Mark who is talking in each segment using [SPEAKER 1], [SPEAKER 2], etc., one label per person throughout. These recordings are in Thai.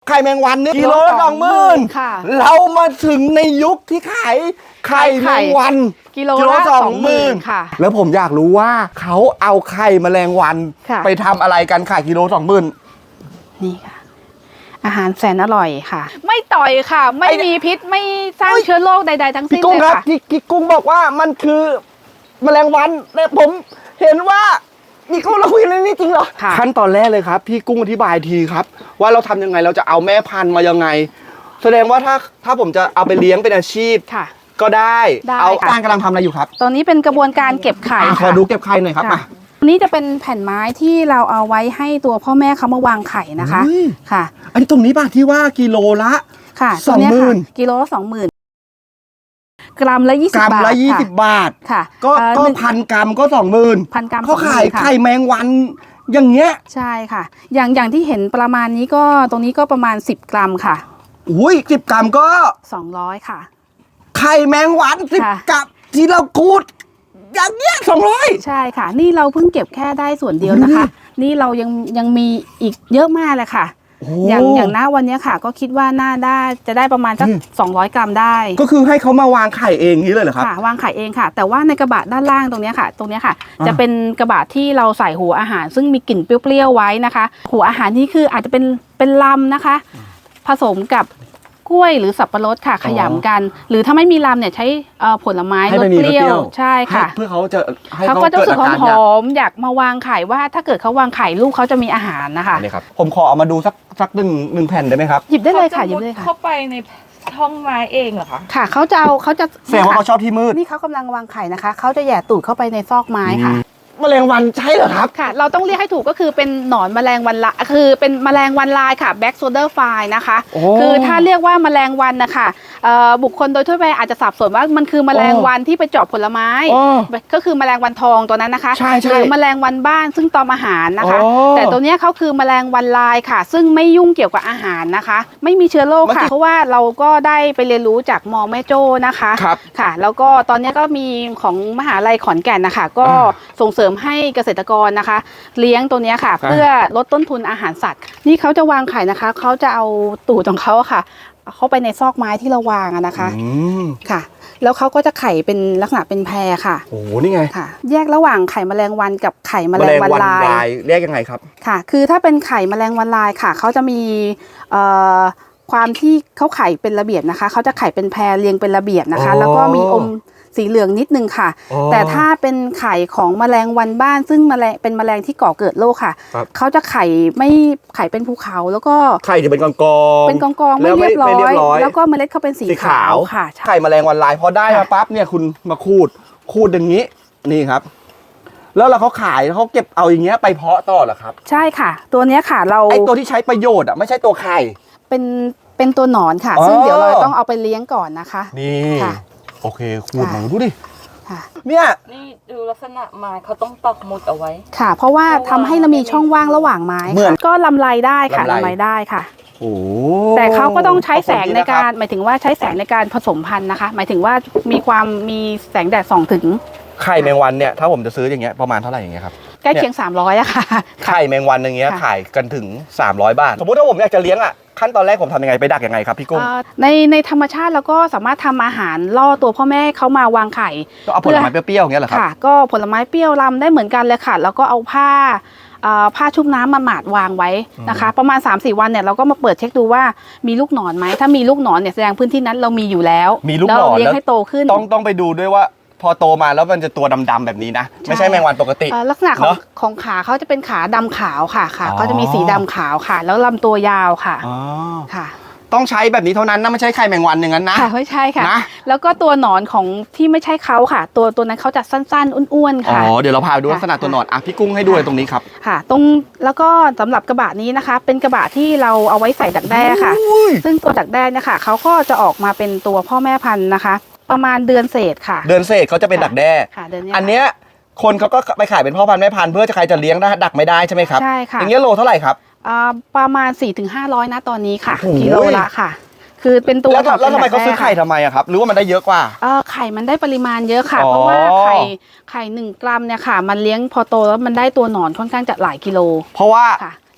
[SPEAKER 1] ไข่แมงวันเนี่ยกิโลละ20,000
[SPEAKER 2] ค่ะ
[SPEAKER 1] เรามาถึงในยุคที่ขายไข่แมงวัน
[SPEAKER 2] กิโลละ20,000ค่ะ
[SPEAKER 1] แล้วผมอยากรู้ว่าเขาเอาไข่แมลงวันไปทำอะไรกันขายกิโล20,000
[SPEAKER 2] นี่ค่ะอาหารแสนอร่อยค่ะไม่ต่อยค่ะไม่มีพิษไม่สร้างเชื้อโรคใดๆทั้งสิ้นเลยค่ะ
[SPEAKER 1] พี่กุ้งบอกว่ามันคือแมลงวันแต่ผมเห็นว่าพี่กุ้งเราคุยเรื่องนี้จริงเหรอขั้นตอนแรกเลยครับพี่กุ้งอธิบายทีครับว่าเราทำยังไงเราจะเอาแม่พันธุ์มายังไงแสดงว่าถ้าผมจะเอาไปเลี้ยงเป็นอาชีพ
[SPEAKER 2] ค่ะ
[SPEAKER 1] ก็ได้เอา
[SPEAKER 2] ค่ะ
[SPEAKER 1] กำลังทำอะไรอยู่ครับ
[SPEAKER 2] ตอนนี้เป็นกระบวนการเก็บไข่
[SPEAKER 1] ขอดูเก็บไข่หน่อยครับ
[SPEAKER 2] อันนี้จะเป็นแผ่นไม้ที่เราเอาไว้ให้ตัวพ่อแม่เขามาวางไข่นะคะค่ะ
[SPEAKER 1] อันนี้ตรงนี้ป่ะที่ว่ากิโลละ
[SPEAKER 2] ค่ะ20,000กิโลละ20,000กรัมละ20 บาทกรัม
[SPEAKER 1] ละ20 บาท
[SPEAKER 2] ค่ะ
[SPEAKER 1] ก็1,000 กรัมก็20,000
[SPEAKER 2] 1,000 กรัม
[SPEAKER 1] เขาขายไข่แมงวันอย่างเงี้ย
[SPEAKER 2] ใช่ค่ะอย่างที่เห็นประมาณนี้ก็ตรงนี้ก็ประมาณ10 กรัมค่ะ
[SPEAKER 1] อุ้ย10 กรัมก็
[SPEAKER 2] 200ค่ะ
[SPEAKER 1] ไข่แมงวัน10 กรัมที่เราคูดอย่างเงี้ย200
[SPEAKER 2] ใช่ค่ะนี่เราเพิ่งเก็บแค่ได้ส่วนเดียวนะคะนี่เรายังมีอีกเยอะมากเลยค่ะอย่างหน้าวันนี้ค่ะก็คิดว่าน่าได้จะได้ประมาณสัก200 กรัมได้
[SPEAKER 1] ก็คือให้เขามาวางไข่เองนี้เลยเหรอครับ
[SPEAKER 2] ค่ะวางไข่เองค่ะแต่ว่าในกระบะด้านล่างตรงนี้ค่ะจะเป็นกระบะที่เราใส่หัวอาหารซึ่งมีกลิ่นเปรี้ยวๆไว้นะคะหัวอาหารนี่คืออาจจะเป็นลำนะคะผสมกับกล้วยหรือสับปะรดค่ะขยำกันหรือถ้าไม่มีลำเนี่ยใช้ผลไม้รสเปรี้ยวใช่ค่ะ
[SPEAKER 1] เพื่อเขา
[SPEAKER 2] ก็จะรู้สึกหอมอยากมาวางไข่ว่าถ้าเกิดเขาวางไข่ลูกเขาจะมีอาหารนะคะ
[SPEAKER 1] นี่ครับผมขอเอามาดูสักหนึ่งแผ่นได้ไหมครับ
[SPEAKER 2] หยิบได้เลยค่ะหยิบได้ค่ะ
[SPEAKER 3] เข้าไปในช่องไม้เองเหรอคะ
[SPEAKER 2] ค่ะเขาจะ
[SPEAKER 1] แสดงว่าเขาชอบที่มืด
[SPEAKER 2] นี่เขากำลังวางไข่นะคะเขาจะแย่ตูดเข้าไปในซอกไม้ค่ะ
[SPEAKER 1] แมลงวันใช่เหรอครับ
[SPEAKER 2] ค่ะเราต้องเรียกให้ถูกก็คือเป็นหนอนแมลงวันละคือเป็นแมลงวันลายค่ะ Black Soldier Fly นะคะคือถ้าเรียกว่าแมลงวันนะคะบุคคลโดยทั่วไปอาจจะสับสนว่ามันคือแมลงวันที่ไปเจาะผลไม้ก็คือแมลงวันทองตัวนั้นนะคะหรือแมลงวันบ้านซึ่งตอมอาหารนะคะแต่ตัวนี้เขาคือแมลงวันลายค่ะซึ่งไม่ยุ่งเกี่ยวกับอาหารนะคะไม่มีเชื้อโรคค่ะเพราะว่าเราก็ได้ไปเรียนรู้จากมอแม่โจ้นะคะค่ะแล้วก็ตอนนี้ก็มีของมหาลัยขอนแก่นนะคะก็ส่งเสริมให้เกษตรกรนะคะเลี้ยงตัวนี้ค่ะเพื่อลดต้นทุนอาหารสัตว์นี่เขาจะวางไข่นะคะเขาจะเอาตูดของเขาค่ะเข้าไปในซอกไม้ที่เราวางนะคะค่ะแล้วเขาก็จะไข่เป็นลักษณะเป็นแพรค่ะ
[SPEAKER 1] โอ้นี่ไง
[SPEAKER 2] ค่ะแยกระหว่างไข่แมลงวันกับไข่แมลงวันลาย
[SPEAKER 1] แยกยังไงครับ
[SPEAKER 2] ค่ะคือถ้าเป็นไข่แมลงวันลายค่ะเขาจะมีความที่เขาไข่เป็นระเบียบนะคะเขาจะไข่เป็นแพรเรียงเป็นระเบียบนะคะแล้วก็มีอมสีเหลืองนิดนึงค่ะแต่ถ้าเป็นไข่ของแมลงวันบ้านซึ่งเป็นแมลงที่ก่อเกิดโรคค่ะเขาจะไข่เป็นภูเขาแล้วก็
[SPEAKER 1] ไข่จะเป็นกอง
[SPEAKER 2] ไม่เรียบร้อยแล้วก็เมล็ดเขาเป็นสีขาวค่ะ
[SPEAKER 1] ไข่แมลงวันลายพอได้มาปั๊บเนี่ยคุณมาขูดอย่างนี้นี่ครับแล้วเขาขายเขาเก็บเอาอย่างเงี้ยไปเพาะต่อเหรอครับ
[SPEAKER 2] ใช่ค่ะตัวเนี้ยค่ะไอ
[SPEAKER 1] ตัวที่ใช้ประโยชน์อ่ะไม่ใช่ตัวไข่
[SPEAKER 2] เป็นตัวหนอนค่ะซึ่งเดี๋ยวเราต้องเอาไปเลี้ยงก่อนนะคะ
[SPEAKER 1] นี่โอเคขูดหน่อยดูดิเนี่ย
[SPEAKER 3] นี่ดูลักษณะไม้เขาต้องปักหมุดเอาไว้
[SPEAKER 2] ค่ะเพราะว่าทำให้เรามีช่องว่างระหว่างไม้ก็ลำไรได้ค่ะลำไรได้ค่ะแต่เขาก็ต้องใช้แสงในการหมายถึงว่าใช้แสงในการผสมพันธุ์นะคะหมายถึงว่ามีแสงแดดส่องถึง
[SPEAKER 1] ไข่แมงวันเนี่ยถ้าผมจะซื้ออย่างเงี้ยประมาณเท่าไหร่อย่างเงี้ยครับ
[SPEAKER 2] ใกล้เคียง300อะค่ะ
[SPEAKER 1] ไข่แมงวันอย่างเงี้ยขายกันถึง300 บาทสมมติถ้าผมอยากจะเลี้ยงอ่ะขั้นตอนแรกผมทำยังไงไปดักยังไงครับพี่กุ้ง
[SPEAKER 2] ในธรรมชาติเราก็สามารถทำอาหารล่อตัวพ่อแม่เขามาวางไข่
[SPEAKER 1] ก็เอาผลไม้เปรี้ยวๆอย่างเงี้ยเหรอครับ
[SPEAKER 2] ค่ะก็ผลไม้เปรี้ยวลำได้เหมือนกันเลยค่ะแล้วก็เอาผ้าชุบน้ำมาหมาดวางไว้นะคะประมาณ 3-4 วันเนี่ยเราก็มาเปิดเช็คดูว่ามีลูกหนอนไหมถ้ามีลูกหนอนเนี่ยแสดงพื้นที่นั้นเรามีอยู่แล้ว
[SPEAKER 1] มีลูกหนอน
[SPEAKER 2] เลี้ยงให้โตขึ้น
[SPEAKER 1] ต้องไปดูด้วยว่าพอโตมาแล้วมันจะตัวดำๆแบบนี้นะไม่ใช่แมงวันปกติ
[SPEAKER 2] ลักษณะของขาเขาจะเป็นขาดำขาวค่ะเขาจะมีสีดำขาวค่ะแล้วลำตัวยาวค่ะค่ะ
[SPEAKER 1] ต้องใช้แบบนี้เท่านั้นนะไม่ใช่ไข่แมงวันอย่างนั้นนะ
[SPEAKER 2] ไม่ใช่ค่ะแล้วก็ตัวหนอนของที่ไม่ใช่เขาค่ะตัวนั้นเขาจะสั้นๆอ้วนๆค่ะ
[SPEAKER 1] เดี๋ยวเราพาดูลักษณะตัวหนอนพี่กุ้งให้ดูตรงนี้ครับ
[SPEAKER 2] ค่ะแล้วก็สำหรับกระบะนี้นะคะเป็นกระบะที่เราเอาไว้ใส่ดักแด้ค่ะซึ่งตัวดักแด้เนี่ยค่ะเขาก็จะออกมาเป็นตัวพ่อแม่พันธุ์นะคะประมาณเดือนเศษค่ะ
[SPEAKER 1] เดือนเศษเขาจะเป็นดักแด้อันเนี้ยคนเขาก็ไปขายเป็นพ่อพันธุ์แม่พันธุ์เพื่อจะใครจะเลี้ยงได้ดักไม่ได้ใช่ไหมครับ
[SPEAKER 2] ใช่ค่ะ
[SPEAKER 1] อย่างเงี้ยโลเท่าไหร่ครับ
[SPEAKER 2] ประมาณ 400-500นะตอนนี้ค่ะกิโลละค่ะคือเป็นตัว
[SPEAKER 1] แล้วทำไมเขาซื้อไข่ทำไมอะครับหรือว่ามันได้เยอะกว่า
[SPEAKER 2] ไข่มันได้ปริมาณเยอะค่ะเพราะว่าไข่1 กรัมเนี่ยค่ะมันเลี้ยงพอโตแล้วมันได้ตัวหนอนค่อนข้างจะหลายกิโล
[SPEAKER 1] เพราะว่า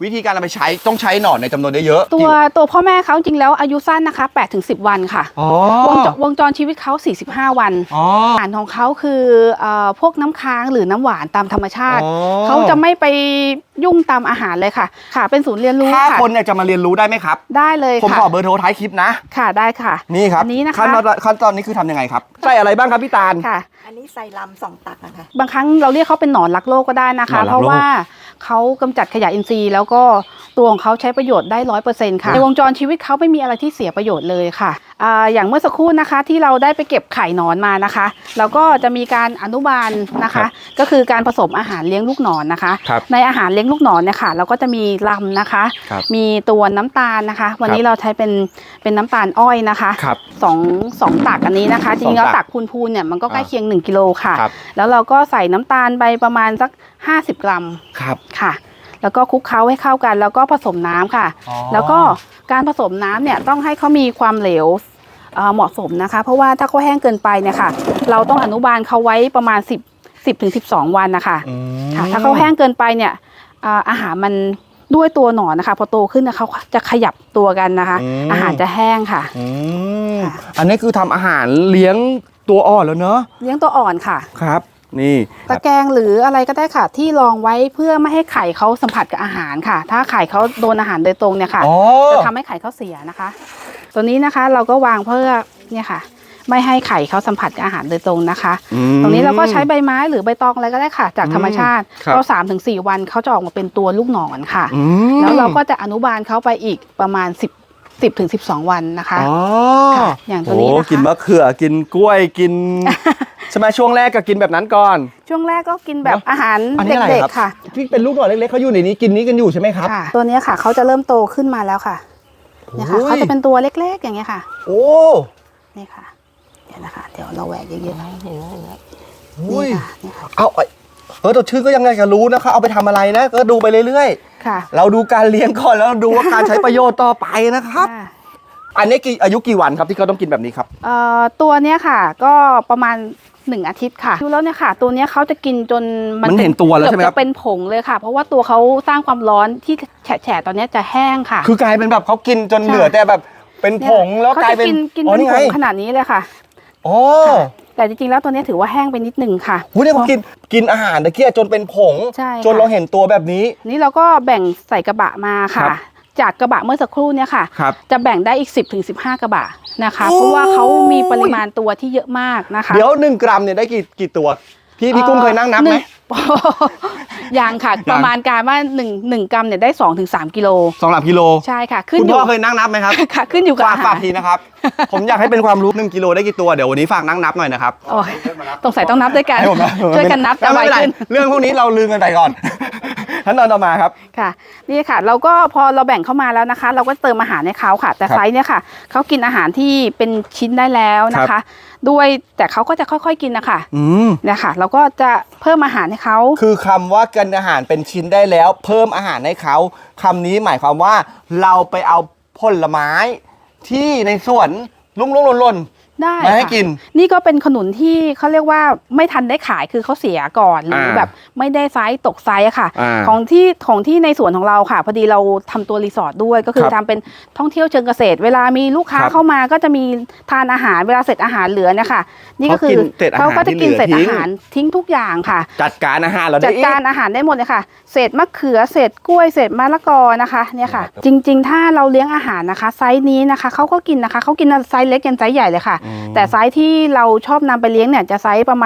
[SPEAKER 1] วิธีการเอาไปใช้ต้องใช้หนอนในจำนวนเยอะๆ
[SPEAKER 2] ตัวพ่อแม่เขาจริงแล้วอายุสั้นนะคะ8-10 วันค่ะ
[SPEAKER 1] อ๋อ
[SPEAKER 2] วงจรชีวิตเขา45 วัน
[SPEAKER 1] อ๋อ
[SPEAKER 2] อาหารของเขาคือพวกน้ำค้างหรือน้ำหวานตามธรรมชาติ
[SPEAKER 1] อ๋อ
[SPEAKER 2] เขาจะไม่ไปยุ่งตามอาหารเลยค่ะ ค่ะเป็นศูนย์เรียนรู้
[SPEAKER 1] ถ้า
[SPEAKER 2] ค่ะ
[SPEAKER 1] คนเนี่ยจะมาเรียนรู้ได้ไหมครับ
[SPEAKER 2] ได้เลย
[SPEAKER 1] ผม
[SPEAKER 2] ค่ะ
[SPEAKER 1] ขอเบอร์โทรท้ายคลิปนะ
[SPEAKER 2] ค่ะได้ค่ะ
[SPEAKER 1] นี่ครับ
[SPEAKER 2] อันนี้นะคะ
[SPEAKER 1] ขั้นตอนนี้คือทำยังไงครับใส่อะไรบ้างครับพี่ตาล
[SPEAKER 2] ค่ะ
[SPEAKER 4] อันนี้ใส่ลำ2 ตักนะคะ
[SPEAKER 2] บางครั้งเราเรียกเขาเป็นหนอนรักโลกก็ได้นะ
[SPEAKER 1] หนอนรักโลก
[SPEAKER 2] คะเพราะว่าเขากำจัดขยะอินทรีย์ แล้วก็ตัวของเขาใช้ประโยชน์ได้100%ค่ะในวงจรชีวิตเขาไม่มีอะไรที่เสียประโยชน์เลยค่ะอย่างเมื่อสักครู่นะคะที่เราได้ไปเก็บไข่หนอนมานะคะแล้วก็จะมีการอนุบาลนะคะ ก็คือการผสมอาหารเลี้ยงลูกหนอนนะคะ
[SPEAKER 1] ครับ
[SPEAKER 2] ในอาหารเลี้ยงลูกหนอนเนี่ยค่ะเราก็จะมีลำนะคะ
[SPEAKER 1] ครับ
[SPEAKER 2] มีตัวน้ำตาลนะคะ วันนี้
[SPEAKER 1] ครับ
[SPEAKER 2] เราใช้เป็นน้ำตาลอ้อยนะคะ
[SPEAKER 1] ครับ
[SPEAKER 2] สองตักอันนี้นะคะจริงๆแล้ว
[SPEAKER 1] สองตั
[SPEAKER 2] ตั
[SPEAKER 1] ก
[SPEAKER 2] กพูนๆเนี่ยมันก็ใกล้เคียง1 กิโลค่ะ
[SPEAKER 1] ครับ
[SPEAKER 2] แล้วเราก็ใส่น้ำตาลไปประมาณสัก50 กรัม
[SPEAKER 1] ครับ
[SPEAKER 2] ค่ะ แล้วก็คลุกเคล้าให้เข้ากัน แล้วก็ผสมน้ำค่ะ
[SPEAKER 1] อ๋อ
[SPEAKER 2] แล้วก็การผสมน้ำเนี่ยต้องให้เขามีความเหลวเหมาะสมนะคะ เพราะว่าถ้าเขาแห้งเกินไปเนี่ยค่ะ เราต้องอนุบาลเขาไว้ประมาณ10 ถึง 12 วันนะคะ
[SPEAKER 1] อืม
[SPEAKER 2] ค่ะถ้าเขาแห้งเกินไปเนี่ยอาหารมันด้วยตัวหนอนนะคะพอโตขึ้นนะเขาจะขยับตัวกันนะคะ อาหารจะแห้งค่ะ
[SPEAKER 1] อืม
[SPEAKER 2] ค่ะ
[SPEAKER 1] อันนี้คือทำอาหารเลี้ยงตัวอ่อนแล้วเนอะ
[SPEAKER 2] เลี้ยงตัวอ่อนค่ะ
[SPEAKER 1] ครับ นี่
[SPEAKER 2] ตะแกรงหรืออะไรก็ได้ค่ะ ที่รองไว้เพื่อไม่ให้ไข่เขาสัมผัสกับอาหารค่ะ ถ้าไข่เขาโดนอาหารโดยตรงเนี่ยค่ะ
[SPEAKER 1] อ๋อ
[SPEAKER 2] จะทำให้ไข่เขาเสียนะคะ ตัวนี้นะคะเราก็วางเพื่อเนี่ยค่ะ ไม่ให้ไข่เขาสัมผัสกับอาหารโดยตรงนะคะ
[SPEAKER 1] อืม
[SPEAKER 2] ตรงนี้เราก็ใช้ใบไม้หรือใบตองอะไรก็ได้ค่ะ จากธรรมชาติ
[SPEAKER 1] ครับ
[SPEAKER 2] ก็3-4 วันเขาจะออกมาเป็นตัวลูกหนอนค่ะ
[SPEAKER 1] อืม
[SPEAKER 2] แล้วเราก็จะอนุบาลเขาไปอีกประมาณ10 ถึง 12 วันนะคะ
[SPEAKER 1] อ๋อ
[SPEAKER 2] ค่ะอย่างตัวนี้นะคะ
[SPEAKER 1] โอ้กินมะเขือกินกล้วยกิน ใช่ไหมช่วงแรกก็กินแบบนั้นก่อน
[SPEAKER 2] ช่วงแรกก็กินแบบ
[SPEAKER 1] เนอะ
[SPEAKER 2] อาหาร
[SPEAKER 1] อันนี้อะไร
[SPEAKER 2] เด็ก
[SPEAKER 1] ครับ
[SPEAKER 2] ๆค่ะ
[SPEAKER 1] ที่เป็นลูกหน่อยเล็กๆเขาอยู่ในนี้กินนี้กันอยู่ใช่ไหมครับ
[SPEAKER 2] ค่ะ ตัวเนี้ยค่ะเขาจะเริ่มโตขึ้นมาแล้วค่ะเนี่ยค่ะ
[SPEAKER 1] โอ้ย
[SPEAKER 2] เขาจะเป็นตัวเล็กๆอย่างเงี้ยค่ะ
[SPEAKER 1] โอ้
[SPEAKER 2] นี่ค่ะเดี๋ยวนะคะ เดี๋ยวเราแหวกเยอะๆ
[SPEAKER 1] อุ้ย
[SPEAKER 2] นี่ค่ะนี่ค่ะ
[SPEAKER 1] เอาตัวชื่อก็ยังไงก็รู้นะคะเอาไปทำอะไรนะก็ดูไปเรื่อย
[SPEAKER 2] ค่ะ
[SPEAKER 1] ๆ เราดูการเลี้ยงก่อนแล้วดูว่าการใช้ประโยชน์ต่อไปนะครับ
[SPEAKER 2] ค่ะ
[SPEAKER 1] อันนี้อายุกี่วันครับที่เขาต้องกินแบบนี้ครับ
[SPEAKER 2] ตัวเนี้ยค่ะ ก็ประมาณ1 อาทิตย์ค่ะดูแล้วเนี่ยค่ะ ตัวเนี้ยเขาจะกินจน
[SPEAKER 1] มันเห็นตัวแล้วใช่ไหมครับ
[SPEAKER 2] เกือบจะเป็นผงเลยค่ะ เพราะว่าตัวเขาสร้างความร้อนที่แฉะๆตอนเนี้ยจะแห้งค่ะ
[SPEAKER 1] คือกลายเป็นแบบเขากินจน
[SPEAKER 2] ใช่
[SPEAKER 1] เหลือแต่แบบเป็นผงแล้ว
[SPEAKER 2] เขา
[SPEAKER 1] กลาย
[SPEAKER 2] จะ
[SPEAKER 1] เป็น
[SPEAKER 2] กิน
[SPEAKER 1] อ๋อ
[SPEAKER 2] เป็น
[SPEAKER 1] นี่
[SPEAKER 2] ผ
[SPEAKER 1] ไง
[SPEAKER 2] งขนาดนี้เลยค่ะ
[SPEAKER 1] อ๋อ
[SPEAKER 2] แต่จริงๆแล้วตัวเนี้ยถือว่าแห้งไปนิดนึงค่ะ
[SPEAKER 1] หูเนี่ยเขากินอาหารตะเกียจนเป็นผง
[SPEAKER 2] ใช่ค่ะ
[SPEAKER 1] จนเราเห็นตัวแบบนี้
[SPEAKER 2] นี่เราก็แบ่งใส่กระบะมา
[SPEAKER 1] ครั
[SPEAKER 2] ค่ะ
[SPEAKER 1] บ
[SPEAKER 2] จากกระบะเมื่อสักครู่เนี่ยค่ะ
[SPEAKER 1] ครับ
[SPEAKER 2] จะแบ่งได้อีก10 ถึง 15 กระบะนะคะ
[SPEAKER 1] โอ้ย
[SPEAKER 2] เพราะว่าเขามีปริมาณตัวที่เยอะมากนะคะ
[SPEAKER 1] เดี๋ยว1 กรัมเนี่ยได้กี่ตัวพี่กุ้งเคยนั่งนับไหม
[SPEAKER 2] ยังค่ะ
[SPEAKER 1] ยัง
[SPEAKER 2] ประมาณการว่า1 กรัมเนี่ยได้2 ถึง 3 กิโล
[SPEAKER 1] 2-3 กิโล
[SPEAKER 2] ใช่ค่ะ ขึ้น
[SPEAKER 1] คุณ
[SPEAKER 2] อยู่
[SPEAKER 1] พ่อเคยนั่งนับไหมครับ
[SPEAKER 2] ค่ะขึ้นอยู่กับอาหา
[SPEAKER 1] ฝาร กทีนะครับ ผมอยากให้เป็นความรู้1 กิโลได้กี่ตัวเดี๋ยววันนี้ฝากนั่งนับหน่อยนะครับ
[SPEAKER 2] โอ้ยต้องใส่ต้องนับด้วยกัน
[SPEAKER 1] ให้ผมนะ
[SPEAKER 2] ช่วยกันนับจะไว
[SPEAKER 1] ไม่เป็นไร
[SPEAKER 2] ขึ้น
[SPEAKER 1] เรื่องพวกนี้เราลืมกันไปก่อน ขั้นตอนต่อมาครับ
[SPEAKER 2] ค่ะนี่ค่ะเราก็พอเราแบ่งเข้ามาแล้วนะคะ เราก็เติมอาหารให้เขาค่ะ แต่
[SPEAKER 1] ครับ
[SPEAKER 2] ไซส์เนี่ยค่ะเขากินอาหารที่เป็นชิ้นได้แล้วนะ
[SPEAKER 1] ครั
[SPEAKER 2] คะ
[SPEAKER 1] บ
[SPEAKER 2] ด้วยแต่เขาก็จะค่อยๆกินนะคะ
[SPEAKER 1] อืม
[SPEAKER 2] เนี่ยค่ะ เราก็จะเพิ่มอาหารให้เขา
[SPEAKER 1] คือคำว่ากินอาหารเป็นชิ้นได้แล้ว เพิ่มอาหารให้เขาคำนี้หมายความว่าเราไปเอาผลไม้ที่ในสวนลุ่งๆหล่น
[SPEAKER 2] ได้
[SPEAKER 1] มาให้
[SPEAKER 2] ค่ะ
[SPEAKER 1] กิน
[SPEAKER 2] นี่ก็เป็นขนุนที่เขาเรียกว่าไม่ทันได้ขายคือเขาเสียก่อนหรือแบบไม่ได้ไซส์ตกไซส์อะค่ะ
[SPEAKER 1] อ่า
[SPEAKER 2] ของที่ในสวนของเราค่ะ พอดีเราทำตัวรีสอร์ทด้วยก็คือ
[SPEAKER 1] ครับ
[SPEAKER 2] ทำเป็นท่องเที่ยวเชิงเกษตร เวลามีลูกค้า
[SPEAKER 1] ครับ
[SPEAKER 2] เข้ามาก็จะมีทานอาหารเวลาเสร็จอาหารเหลือเนี่ยค่ะนี่ก็คือ
[SPEAKER 1] เขากินเศษอาหาร
[SPEAKER 2] เขาก็จะกิน
[SPEAKER 1] ที่เหลือ
[SPEAKER 2] เศษอาหารทิ้งทุกอย่างค่ะ
[SPEAKER 1] จัดการอาหารเรา
[SPEAKER 2] จั
[SPEAKER 1] ได้
[SPEAKER 2] ด
[SPEAKER 1] อีก
[SPEAKER 2] การอาหารได้หมดเลยค่ะ เศษมะเขือ เศษกล้วย เศษมะละกอนะคะเนี่ยค่ะ จริงๆ ถ้าเราเลี้ยงอาหารนะคะ ไซส์นี้นะคะเขาก็กินนะคะเขากินไซส์เล็กยันไซส์ใหญ่เลยค่ะ แต่ไซส์ที่เราชอบนำไปเลี้ยงเนี่ยจะไซส์ประ